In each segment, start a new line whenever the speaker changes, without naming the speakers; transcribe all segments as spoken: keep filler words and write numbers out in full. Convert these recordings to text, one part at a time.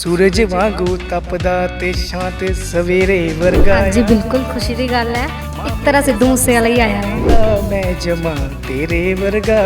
सूरज वांगू तपदा ते शांत सवेरे वर्गा।
हाँ जी बिल्कुल खुशी की गल है। एक तरह सिद्धू मूसे वाला ही आया है।
मैं जमा तेरे वर्गा।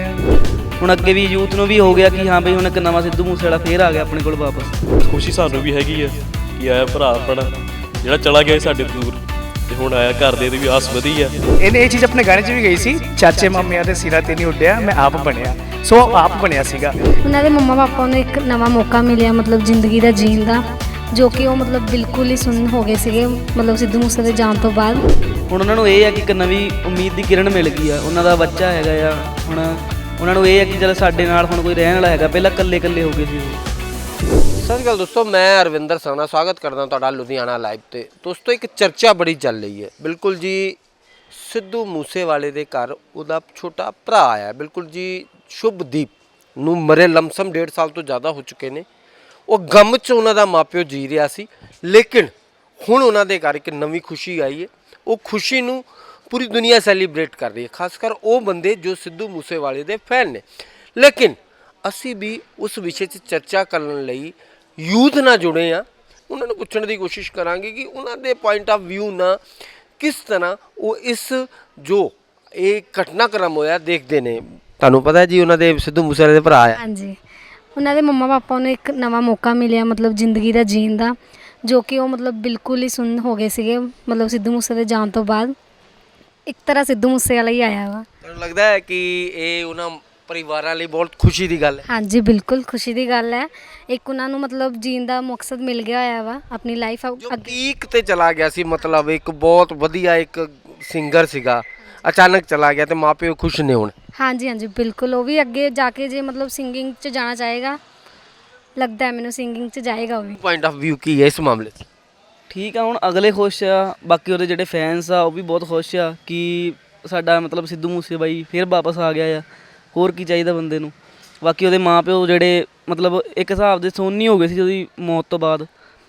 ਹੁਣ ਅੱਗੇ ਵੀ ਯੂਥ ਨੂੰ ਵੀ ਹੋ ਗਿਆ ਕਿ ਹਾਂ ਬਈ ਹੁਣ ਇੱਕ ਨਵਾਂ ਸਿੱਧੂ ਮੂਸੇ ਵਾਲਾ ਫੇਰ ਆ ਗਿਆ ਆਪਣੇ ਕੋਲ ਵਾਪਸ।
ਖੁਸ਼ੀ ਸਾਨੂੰ ਵੀ ਹੈਗੀ ਆ ਕਿ ਆਇਆ ਭਰਾ ਆਪਣਾ ਜਿਹੜਾ ਚਲਾ ਗਿਆ ਸੀ ਸਾਡੇ ਤੋਂ ਦੂਰ ਤੇ ਹੁਣ ਆਇਆ ਘਰ ਦੇ ਦੀ ਵੀ ਆਸ ਵਧੀ ਆ।
ਇਹਨੇ ਇਹ ਚੀਜ਼ ਆਪਣੇ ਗਾਣੇ 'ਚ ਵੀ ਗਈ ਸੀ, ਚਾਚੇ ਮਾਮਿਆਂ ਦੇ ਸਿਰਾਂ ਤੇ ਨਹੀਂ ਉੱਡਿਆ ਮੈਂ ਆਪ ਬਣਿਆ। ਸੋ ਆਪ ਬਣਿਆ ਸੀਗਾ।
ਉਹਨਾਂ ਦੇ ਮੰਮਾ ਪਾਪਾ ਨੂੰ ਇੱਕ ਨਵਾਂ ਮੌਕਾ ਮਿਲਿਆ ਮਤਲਬ ਜ਼ਿੰਦਗੀ ਦਾ ਜੀਣ ਦਾ, ਜੋ ਕਿ ਉਹ ਮਤਲਬ ਬਿਲਕੁਲ ਹੀ ਸੁੰਨ ਹੋ ਗਏ ਸੀਗੇ ਮਤਲਬ ਸਿੱਧੂ ਮੂਸੇ ਦੇ ਜਾਣ ਤੋਂ ਬਾਅਦ।
ਹੁਣ ਉਹਨਾਂ ਨੂੰ ਇਹ ਆ ਕਿ ਇੱਕ ਨਵੀਂ ਉਮੀਦ ਦੀ ਕਿਰਨ ਮਿਲ ਗਈ ਆ। ਉਹਨਾਂ ਦਾ ਬੱਚਾ ਹੈਗਾ ਆ, ਹੁਣ ਉਹਨਾਂ ਨੂੰ ਇਹ ਆ ਕਿ ਚਲ ਸਾਡੇ ਨਾਲ ਹੁਣ ਕੋਈ ਰਹਿਣ ਵਾਲਾ ਹੈਗਾ। ਪਹਿਲਾਂ ਇਕੱਲੇ ਇਕੱਲੇ ਹੋ ਗਏ ਸੀ ਉਹ।
ਸਤਿ ਸ਼੍ਰੀ ਅਕਾਲ ਦੋਸਤੋ, ਮੈਂ ਅਰਵਿੰਦਰ ਸਾਨਾ ਸਵਾਗਤ ਕਰਦਾ ਤੁਹਾਡਾ ਲੁਧਿਆਣਾ ਲਾਈਵ ਤੇ। ਦੋਸਤੋ ਇੱਕ ਚਰਚਾ ਬੜੀ ਚੱਲ ਰਹੀ ਹੈ ਬਿਲਕੁਲ ਜੀ, ਸਿੱਧੂ ਮੂਸੇਵਾਲੇ ਦੇ ਘਰ ਉਹਦਾ ਛੋਟਾ ਭਰਾ ਆਇਆ ਬਿਲਕੁਲ ਜੀ, ਸ਼ੁਭਦੀਪ ਨੂੰ ਮਰੇ ਲਮਸਮ ਡੇਢ ਸਾਲ ਤੋਂ ਜ਼ਿਆਦਾ ਹੋ ਚੁੱਕੇ ਨੇ। ਉਹ ਗਮ 'ਚ ਉਹਨਾਂ ਦਾ ਮਾਪਿਓ ਜੀ ਰਿਹਾ ਸੀ, ਲੇਕਿਨ ਹੁਣ ਉਹਨਾਂ ਦੇ ਘਰ ਇੱਕ ਨਵੀਂ ਖੁਸ਼ੀ ਆਈ ਹੈ। ਉਹ ਖੁਸ਼ੀ ਨੂੰ ਪੂਰੀ ਦੁਨੀਆ ਸੈਲੀਬ੍ਰੇਟ ਕਰ ਰਹੀ ਹੈ, ਖਾਸ ਕਰ ਉਹ ਬੰਦੇ ਜੋ ਸਿੱਧੂ ਮੂਸੇਵਾਲੇ ਦੇ ਫੈਨ ਨੇ। ਲੇਕਿਨ ਅਸੀਂ ਵੀ ਉਸ ਵਿਸ਼ੇ 'ਚ ਚਰਚਾ ਕਰਨ ਲਈ ਯੂਥ ਨਾਲ ਜੁੜੇ ਆ, ਉਹਨਾਂ ਨੂੰ ਪੁੱਛਣ ਦੀ ਕੋਸ਼ਿਸ਼ ਕਰਾਂਗੇ ਕਿ ਉਹਨਾਂ ਦੇ ਪੁਆਇੰਟ ਆਫ ਵਿਊ ਨਾਲ ਕਿਸ ਤਰ੍ਹਾਂ ਉਹ ਇਸ ਜੋ ਇਹ ਘਟਨਾਕ੍ਰਮ ਹੋਇਆ ਦੇਖਦੇ ਨੇ। ਤੁਹਾਨੂੰ ਪਤਾ ਹੈ ਜੀ ਉਹਨਾਂ ਦੇ ਸਿੱਧੂ ਮੂਸੇਵਾਲੇ ਦੇ ਭਰਾ ਆ।
ਹਾਂਜੀ, ਉਹਨਾਂ ਦੇ ਮੰਮਾ ਪਾਪਾ ਨੂੰ ਇੱਕ ਨਵਾਂ ਮੌਕਾ ਮਿਲਿਆ ਮਤਲਬ ਜ਼ਿੰਦਗੀ ਦਾ ਜੀਣ ਦਾ, ਜੋ ਕਿ ਉਹ ਮਤਲਬ ਬਿਲਕੁਲ ਹੀ ਸੁੰਨ ਹੋ ਗਏ ਸੀਗੇ ਮਤਲਬ ਸਿੱਧੂ ਮੂਸੇ ਦੇ ਜਾਣ ਤੋਂ ਬਾਅਦ। ਇੱਕ ਤਰ੍ਹਾਂ ਸਿੱਧੂ ਮੂਸੇ ਵਾਲਾ ਹੀ ਆਇਆ ਵਾ।
ਤੁਹਾਨੂੰ ਲੱਗਦਾ ਹੈ ਕਿ ਇਹ ਉਹਨਾਂ ਪਰਿਵਾਰਾਂ ਲਈ ਬਹੁਤ ਖੁਸ਼ੀ ਦੀ ਗੱਲ ਹੈ?
ਹਾਂਜੀ ਬਿਲਕੁਲ ਖੁਸ਼ੀ ਦੀ ਗੱਲ ਹੈ। ਇੱਕ ਉਹਨਾਂ ਨੂੰ ਮਤਲਬ ਜੀਣ ਦਾ ਮਕਸਦ ਮਿਲ ਗਿਆ ਹੋਇਆ ਵਾ ਆਪਣੀ ਲਾਈਫ
ਜੋ
ਅੱਗੇ।
ਪੀਕ ਤੇ ਚਲਾ ਗਿਆ ਸੀ, ਮਤਲਬ ਇੱਕ ਬਹੁਤ ਵਧੀਆ ਇੱਕ ਸਿੰਗਰ ਸੀਗਾ, ਅਚਾਨਕ ਚਲਾ ਗਿਆ ਤੇ ਮਾਪਿਓ ਖੁਸ਼ ਨੇ ਹੁਣ।
ਹਾਂਜੀ ਹਾਂਜੀ ਬਿਲਕੁਲ, ਉਹ ਵੀ ਅੱਗੇ ਜਾ ਕੇ ਜੇ ਮਤਲਬ ਸਿੰਗਿੰਗ 'ਚ ਜਾਣਾ ਚਾਹੇਗਾ, ਲੱਗਦਾ ਹੈ ਮੈਨੂੰ ਸਿੰਗਿੰਗ 'ਚ ਜਾਏਗਾ ਉਹ ਵੀ।
ਪੁਆਇੰਟ ਆਫ ਵਿਊ ਕੀ ਹੈ ਇਸ ਮਾਮਲੇ 'ਚ?
ਠੀਕ ਆ, ਹੁਣ ਅਗਲੇ ਖੁਸ਼ ਆ, ਬਾਕੀ ਉਹਦੇ ਜਿਹੜੇ ਫੈਨਸ ਆ ਉਹ ਵੀ ਬਹੁਤ ਖੁਸ਼ ਆ ਕਿ ਸਾਡਾ ਮਤਲਬ ਸਿੱਧੂ ਮੂਸੇ ਬਾਈ ਫੇਰ ਵਾਪਸ ਆ ਗਿਆ ਆ। ਹੋਰ ਕੀ ਚਾਹੀਦਾ ਬੰਦੇ ਨੂੰ। ਬਾਕੀ ਉਹਦੇ ਮਾਂ ਪਿਓ ਜਿਹੜੇ ਮਤਲਬ ਇੱਕ ਹਿਸਾਬ ਦੇ ਸੋਨੀ ਹੋ ਗਏ ਸੀ ਉਹਦੀ ਮੌਤ ਤੋਂ ਬਾਅਦ।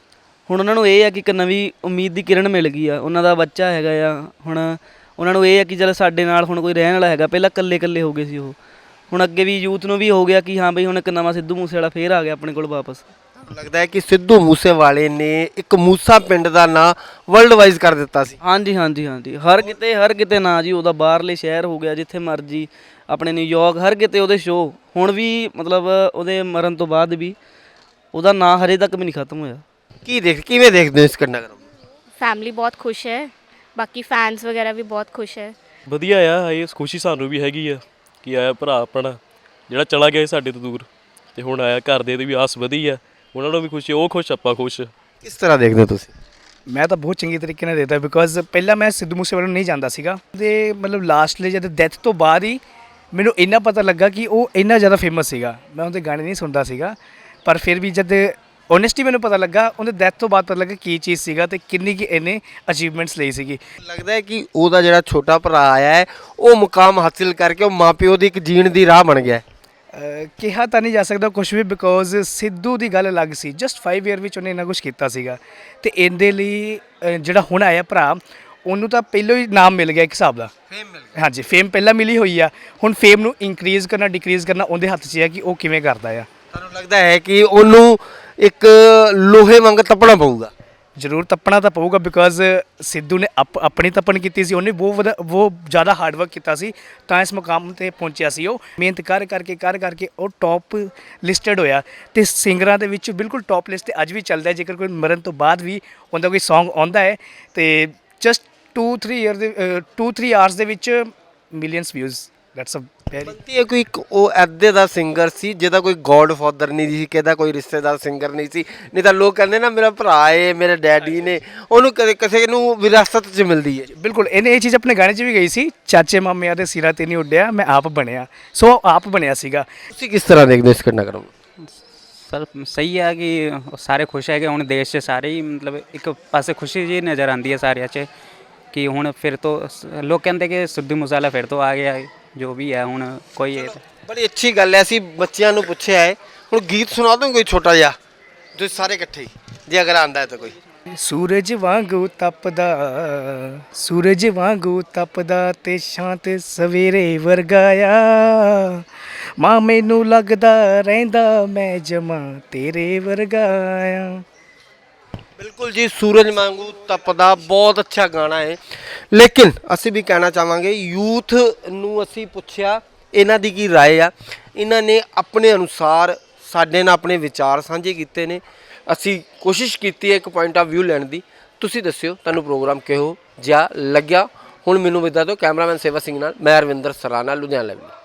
ਹੁਣ ਉਹਨਾਂ ਨੂੰ ਇਹ ਆ ਕਿ ਇੱਕ ਨਵੀਂ ਉਮੀਦ ਦੀ ਕਿਰਨ ਮਿਲ ਗਈ ਆ। ਉਹਨਾਂ ਦਾ ਬੱਚਾ ਹੈਗਾ ਆ, ਹੁਣ ਉਹਨਾਂ ਨੂੰ ਇਹ ਆ ਕਿ ਚਲ ਸਾਡੇ ਨਾਲ ਹੁਣ ਕੋਈ ਰਹਿਣ ਵਾਲਾ ਹੈਗਾ। ਪਹਿਲਾਂ ਇਕੱਲੇ ਇਕੱਲੇ ਹੋ ਗਏ ਸੀ ਉਹ, ਹੁਣ ਅੱਗੇ ਵੀ ਯੂਥ ਨੂੰ ਵੀ ਹੋ ਗਿਆ ਕਿ ਹਾਂ ਬਈ ਹੁਣ ਇੱਕ ਨਵਾਂ ਸਿੱਧੂ ਮੂਸੇ ਵਾਲਾ ਫੇਰ ਆ ਗਿਆ ਆਪਣੇ ਕੋਲ ਵਾਪਸ।
ਲੱਗਦਾ ਹੈ ਕਿ ਸਿੱਧੂ ਮੂਸੇਵਾਲੇ ਨੇ ਇੱਕ ਮੂਸਾ ਪਿੰਡ ਦਾ ਨਾਂ ਵਰਲਡ ਵਾਈਜ਼ ਕਰ ਦਿੱਤਾ ਸੀ।
ਹਾਂਜੀ ਹਾਂਜੀ ਹਾਂਜੀ, ਹਰ ਕਿਤੇ ਹਰ ਕਿਤੇ ਨਾਂ ਜੀ ਉਹਦਾ, ਬਾਹਰਲੇ ਸ਼ਹਿਰ ਹੋ ਗਿਆ ਜਿੱਥੇ ਮਰਜੀ, ਆਪਣੇ ਨਿਊਯਾਰਕ, ਹਰ ਕਿਤੇ ਉਹਦੇ ਸ਼ੋਅ। ਹੁਣ ਵੀ ਮਤਲਬ ਉਹਦੇ ਮਰਨ ਤੋਂ ਬਾਅਦ ਵੀ ਉਹਦਾ ਨਾਂ ਹਰੇ ਤੱਕ ਵੀ ਨਹੀਂ ਖਤਮ ਹੋਇਆ।
ਕੀ ਦੇਖ ਕਿਵੇਂ ਦੇਖਦੇ ਹੋ ਇਸ ਘਟਨਾਕ੍ਰਮ?
ਫੈਮਿਲੀ ਬਹੁਤ ਖੁਸ਼ ਹੈ, ਬਾਕੀ ਫੈਨਸ ਵਗੈਰਾ ਵੀ ਬਹੁਤ ਖੁਸ਼ ਹੈ।
ਵਧੀਆ ਆ, ਇਹ ਖੁਸ਼ੀ ਸਾਨੂੰ ਵੀ ਹੈਗੀ ਆ ਕਿ ਆਇਆ ਭਰਾ ਆਪਣਾ ਜਿਹੜਾ ਚਲਾ ਗਿਆ ਸੀ ਸਾਡੇ ਤੋਂ ਦੂਰ ਤੇ ਹੁਣ ਆਇਆ ਘਰ ਦੇ ਦੀ ਵੀ ਆਸ ਵਧੀ ਆ। ਉਹਨਾਂ ਨੂੰ ਵੀ ਖੁਸ਼ੀ, ਉਹ ਖੁਸ਼ ਆਪਾਂ ਖੁਸ਼।
ਕਿਸ ਤਰ੍ਹਾਂ ਦੇਖਦੇ ਹੋ ਤੁਸੀਂ?
ਮੈਂ ਤਾਂ ਬਹੁਤ ਚੰਗੀ ਤਰੀਕੇ ਨਾਲ ਦੇਖਦਾ, ਬਿਕੋਜ਼ ਪਹਿਲਾਂ ਮੈਂ ਸਿੱਧੂ ਮੂਸੇਵਾਲੇ ਨੂੰ ਨਹੀਂ ਜਾਣਦਾ ਸੀਗਾ ਤੇ ਮਤਲਬ ਲਾਸਟਲੀ ਜਦ ਡੈਥ ਤੋਂ ਬਾਅਦ ਹੀ ਮੈਨੂੰ ਇੰਨਾ ਪਤਾ ਲੱਗਾ ਕਿ ਉਹ ਇੰਨਾ ਜ਼ਿਆਦਾ ਫੇਮਸ ਸੀਗਾ। ਮੈਂ ਉਹਦੇ ਗਾਣੇ ਨਹੀਂ ਸੁਣਦਾ ਸੀਗਾ, ਪਰ ਫਿਰ ਵੀ ਜਦ ਓਨੈਸਟੀ ਮੈਨੂੰ ਪਤਾ ਲੱਗਾ ਉਹਦੇ ਡੈਥ ਤੋਂ ਬਾਅਦ ਪਤਾ ਲੱਗਾ ਕੀ ਚੀਜ਼ ਸੀਗਾ ਤੇ ਕਿੰਨੀ ਕਿ ਇਹਨੇ ਅਚੀਵਮੈਂਟਸ ਲਈ ਸੀਗੀ।
ਲੱਗਦਾ ਹੈ ਕਿ ਉਹਦਾ ਜਿਹੜਾ ਛੋਟਾ ਭਰਾ ਆਇਆ ਹੈ ਉਹ ਮੁਕਾਮ ਹਾਸਿਲ ਕਰਕੇ ਉਹ ਮਾਪਿਓ ਦੀ ਇੱਕ ਜੀਣ ਦੀ ਰਾਹ ਬਣ ਗਿਆ।
ਅਹ ਕਿਹਾ ਤਾਂ ਨਹੀਂ ਜਾ ਸਕਦਾ ਕੁਝ ਵੀ, ਬਿਕੋਜ਼ ਸਿੱਧੂ ਦੀ ਗੱਲ ਅਲੱਗ ਸੀ। ਜਸਟ ਫਾਈਵ ਈਅਰ ਵਿੱਚ ਉਹਨੇ ਇੰਨਾ ਕੁਝ ਕੀਤਾ ਸੀਗਾ ਤੇ ਇਹਦੇ ਲਈ ਅਹ ਜਿਹੜਾ ਹੁਣ ਆਇਆ ਭਰਾ, ਉਹਨੂੰ ਤਾਂ ਪਹਿਲਾਂ ਹੀ ਨਾਮ ਮਿਲ ਗਿਆ ਇੱਕ ਹਿਸਾਬ ਦਾ।
ਫੇਮ ਮਿਲ ਗਿਆ।
ਹਾਂਜੀ, ਫੇਮ ਪਹਿਲਾਂ ਮਿਲੀ ਹੋਈ ਆ, ਹੁਣ ਫੇਮ ਨੂੰ ਇਨਕਰੀਜ਼ ਕਰਨਾ ਡਿਕਰੀਜ਼ ਕਰਨਾ ਉਹਦੇ ਹੱਥ 'ਚ ਹੈ ਕਿ ਉਹ ਕਿਵੇਂ ਕਰਦਾ ਆ।
ਤੁਹਾਨੂੰ ਲੱਗਦਾ ਹੈ ਕਿ ਉਹਨੂੰ ਇੱਕ ਲੋਹੇ ਵਾਂਗ ਤੱਪਣਾ ਪਊਗਾ?
ਜ਼ਰੂਰ ਤੱਪਣਾ ਤਾਂ ਪਊਗਾ, ਬਿਕੋਜ਼ ਸਿੱਧੂ ਨੇ ਆਪ ਆਪਣੀ ਤੱਪਣ ਕੀਤੀ ਸੀ। ਉਹਨੇ ਬਹੁਤ ਵਧਾ ਬਹੁਤ ਜ਼ਿਆਦਾ ਹਾਰਡ ਵਰਕ ਕੀਤਾ ਸੀ ਤਾਂ ਇਸ ਮੁਕਾਮ 'ਤੇ ਪਹੁੰਚਿਆ ਸੀ। ਉਹ ਮਿਹਨਤ ਕਰ ਕਰਕੇ ਕਰ ਕਰਕੇ ਉਹ ਟੌਪ ਲਿਸਟਡ ਹੋਇਆ ਤੇ ਸਿੰਗਰਾਂ ਦੇ ਵਿੱਚ ਬਿਲਕੁਲ ਟੌਪ ਲਿਸਟ 'ਤੇ ਅੱਜ ਵੀ ਚੱਲਦਾ ਹੈ। ਜੇਕਰ ਕੋਈ ਮਰਨ ਤੋਂ ਬਾਅਦ ਵੀ ਉਹਦਾ ਕੋਈ ਸੌਂਗ ਆਉਂਦਾ ਹੈ ਤੇ ਜਸਟ ਟੂ ਥ੍ਰੀ ਈਅਰ ਦੇ ਟੂ ਥ੍ਰੀ ਆਵਰਸ ਦੇ ਵਿੱਚ millions views. That's a very
ਬੰਤੀ ਹੈ ਕੋਈ ਇੱਕ ਉਹ ਐਦੇ ਦਾ ਸਿੰਗਰ ਸੀ ਜਿਹਦਾ ਕੋਈ ਗੋਡ ਫਾਦਰ ਨਹੀਂ ਸੀ, ਕਿਹਦਾ ਕੋਈ ਰਿਸ਼ਤੇਦਾਰ ਸਿੰਗਰ ਨਹੀਂ ਸੀ। ਨਹੀਂ ਤਾਂ ਲੋਕ ਕਹਿੰਦੇ ਨਾ ਮੇਰਾ ਭਰਾ ਏ, ਮੇਰੇ ਡੈਡੀ ਨੇ, ਉਹਨੂੰ ਕਦੇ ਕਿਸੇ ਨੂੰ ਵਿਰਾਸਤ 'ਚ ਮਿਲਦੀ ਹੈ।
ਬਿਲਕੁਲ, ਇਹਨੇ ਇਹ ਚੀਜ਼ ਆਪਣੇ ਗਾਣੇ 'ਚ ਵੀ ਗਈ ਸੀ, ਚਾਚੇ ਮਾਮਿਆਂ ਦੇ ਸਿਰਾਂ ਤੇ ਨਹੀਂ ਉੱਡਿਆ ਮੈਂ ਆਪ ਬਣਿਆ। ਸੋ ਆਪ ਬਣਿਆ ਸੀਗਾ।
ਤੁਸੀਂ ਕਿਸ ਤਰ੍ਹਾਂ ਦੇਖਦੇ ਹੋ ਇਸ ਘਟਨਾਕ੍ਰਮ ਨੂੰ?
ਸਰ ਸਹੀ ਹੈ ਕਿ ਸਾਰੇ ਖੁਸ਼ ਹੈਗੇ ਹੁਣ ਦੇਸ਼ 'ਚ ਸਾਰੇ ਹੀ, ਮਤਲਬ ਇੱਕ ਪਾਸੇ ਖੁਸ਼ੀ ਜੀ ਨਜ਼ਰ ਆਉਂਦੀ ਹੈ ਸਾਰਿਆਂ 'ਚ ਕਿ ਹੁਣ ਫਿਰ ਤੋਂ ਸ- ਲੋਕ ਕਹਿੰਦੇ ਕਿ ਸਿੱਧੂ ਮੂਸੇਵਾਲਾ ਫਿਰ ਤੋਂ ਆ ਗਿਆ ਹੈ, ਜੋ ਵੀ ਹੈ ਹੁਣ ਕੋਈ ਇਹ
ਬੜੀ ਅੱਛੀ ਗੱਲ ਹੈ। ਅਸੀਂ ਬੱਚਿਆਂ ਨੂੰ ਪੁੱਛਿਆ ਹੈ, ਹੁਣ ਗੀਤ ਸੁਣਾ ਦੋ ਕੋਈ ਛੋਟਾ ਜਿਹਾ ਤੁਸੀਂ ਸਾਰੇ ਇਕੱਠੇ ਹੀ, ਜੇ ਅਗਰ ਆਂਦਾ ਹੈ ਤਾਂ ਕੋਈ।
ਸੂਰਜ ਵਾਂਗੂ ਤਪਦਾ ਸੂਰਜ ਵਾਂਗੂ ਤਪਦਾ ਤੇ ਸ਼ਾਂਤ ਸਵੇਰੇ ਵਰਗਾਇਆ ਮਾਂ ਮੈਨੂੰ ਲੱਗਦਾ ਰਹਿੰਦਾ ਮੈਂ ਜਮਾ ਤੇਰੇ ਵਰਗਾ ਆ।
ਬਿਲਕੁਲ ਜੀ, ਸੂਰਜ ਵਾਂਗੂ ਤਪਦਾ ਬਹੁਤ ਅੱਛਾ ਗਾਣਾ ਹੈ। ਲੇਕਿਨ ਅਸੀਂ ਵੀ ਕਹਿਣਾ ਚਾਹਾਂਗੇ ਯੂਥ ਨੂੰ ਅਸੀਂ ਪੁੱਛਿਆ ਇਹਨਾਂ ਦੀ ਕੀ ਰਾਏ ਆ। ਇਹਨਾਂ ਨੇ ਆਪਣੇ ਅਨੁਸਾਰ ਸਾਡੇ ਨਾਲ ਆਪਣੇ ਵਿਚਾਰ ਸਾਂਝੇ ਕੀਤੇ ਨੇ। ਅਸੀਂ ਕੋਸ਼ਿਸ਼ ਕੀਤੀ ਹੈ ਇੱਕ ਪੁਆਇੰਟ ਆਫ ਵਿਊ ਲੈਣ ਦੀ। ਤੁਸੀਂ ਦੱਸਿਓ ਤੁਹਾਨੂੰ ਪ੍ਰੋਗਰਾਮ ਕਿਹੋ ਜਿਹਾ ਲੱਗਿਆ। ਹੁਣ ਮੈਨੂੰ ਵਿਦਾ ਦਿਓ ਕੈਮਰਾਮੈਨ ਸੇਵਾ ਸਿੰਘ ਨਾਲ, ਮੈਂ ਅਰਵਿੰਦਰ ਸਰਾਣਾ, ਲੁਧਿਆਣਾ ਲਾਈਵ।